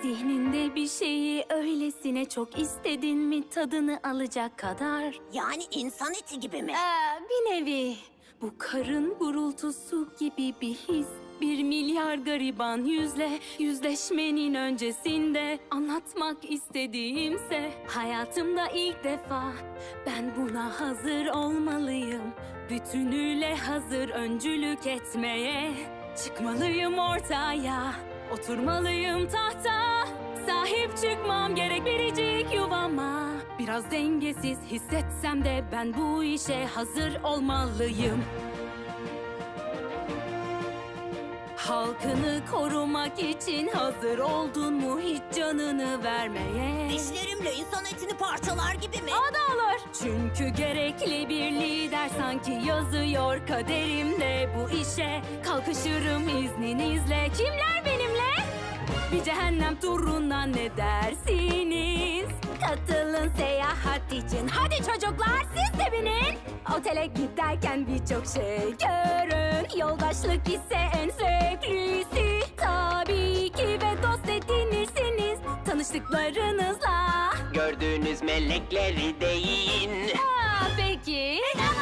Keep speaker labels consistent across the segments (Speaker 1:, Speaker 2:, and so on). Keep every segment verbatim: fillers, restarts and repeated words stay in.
Speaker 1: Zihninde bir şeyi öylesine çok istedin mi tadını alacak kadar?
Speaker 2: Yani insan eti gibi mi?
Speaker 1: Ee, bir nevi. Bu karın gurultusu gibi bir his. Bir milyar gariban yüzle yüzleşmenin öncesinde anlatmak istediğimse hayatımda ilk defa ben buna hazır olmalıyım. Bütünüyle hazır öncülük etmeye çıkmalıyım ortaya. Oturmalıyım tahta, sahip çıkmam gerek biricik yuvama. Biraz dengesiz hissetsem de ben bu işe hazır olmalıyım. Halkını korumak için hazır oldun mu hiç canını vermeye?
Speaker 2: Dişlerimle insan etini parçalar gibi mi?
Speaker 1: O da olur. Çünkü gerekli bir lider sanki yazıyor kaderimde bu işe. Kalkışırım izninizle. Kimler benimle? Bir cehennem turuna ne dersiniz? Katılın seyahat için. Hadi çocuklar siz de binin. Otele giderken birçok şey görün. Yoldaşlık ise en zevklisi. Tabii ki ve dost edinirsiniz tanıştıklarınızla.
Speaker 3: Gördüğünüz melekleri deyin.
Speaker 1: Aa, peki.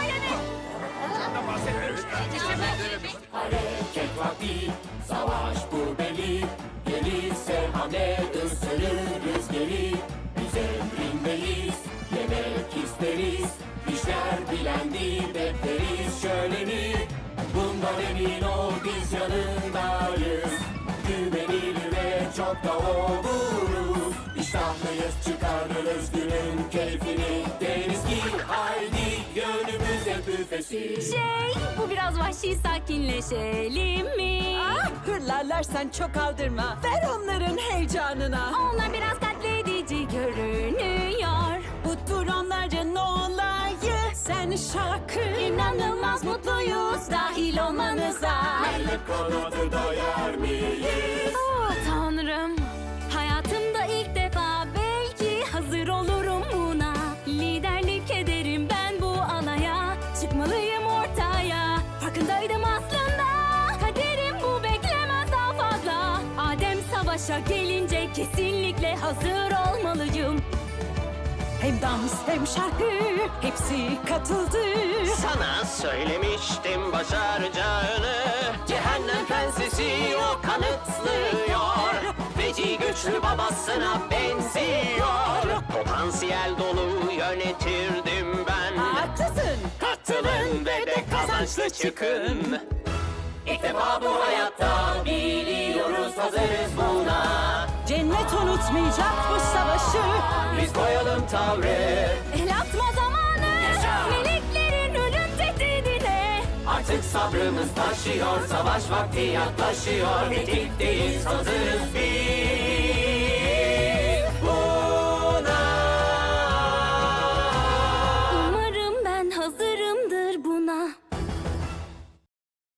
Speaker 4: Hareket vakti, savaş bu belli. Gelirse hamle ısırırız geri. Biz emrindeyiz, yemek isteriz. İşler bilendi bekleriz şöleni. Bundan emin ol biz yanındayız. Güvenilir ve çok da oluruz. İştahlıyız çıkarırız günün keyfini. Deriz ki haydi yönümüze büfesi.
Speaker 1: Şey, bu biraz vahşi sakinleşelim mi?
Speaker 5: Ah, hırlarlar sen çok aldırma. Ver onların heyecanına.
Speaker 1: Onlar biraz katledici görünüyor.
Speaker 5: Bu tur onlarca ne olayı? Sen şarkı.
Speaker 1: İnanılmaz mutluyuz dahil olmanıza.
Speaker 4: Melek kanadı dayar mıyız?
Speaker 1: Oh tanrım, hayatımda ilk defa belki hazır olurum buna. Liderlik ederim ben bu alaya. Çıkmalıyım ortaya. Farkındaydım aslında. Kaderim bu beklemez daha fazla. Adem savaşa gelince kesinlikle hazır olmalıyım.
Speaker 5: Hem dans hem şarkı hepsi katıldı.
Speaker 3: Sana söylemiştim başaracağını. Cehennem prensesi o kanıtlıyor. Feci güçlü babasına benziyor. Potansiyel dolu yönetirdim ben.
Speaker 5: Haklısın.
Speaker 3: Katılın ve de kazançlı çıkın. İlk defa bu hayatta biliyoruz hazırız buna.
Speaker 5: Cennet unutmayacak bu savaşı.
Speaker 3: Biz koyalım tavrı.
Speaker 1: El atma zamanı.
Speaker 3: Yaşa!
Speaker 1: Meleklerin ölüm tehdidine.
Speaker 3: Artık sabrımız taşıyor, savaş vakti yaklaşıyor. Tetikteyiz, hazırız biz.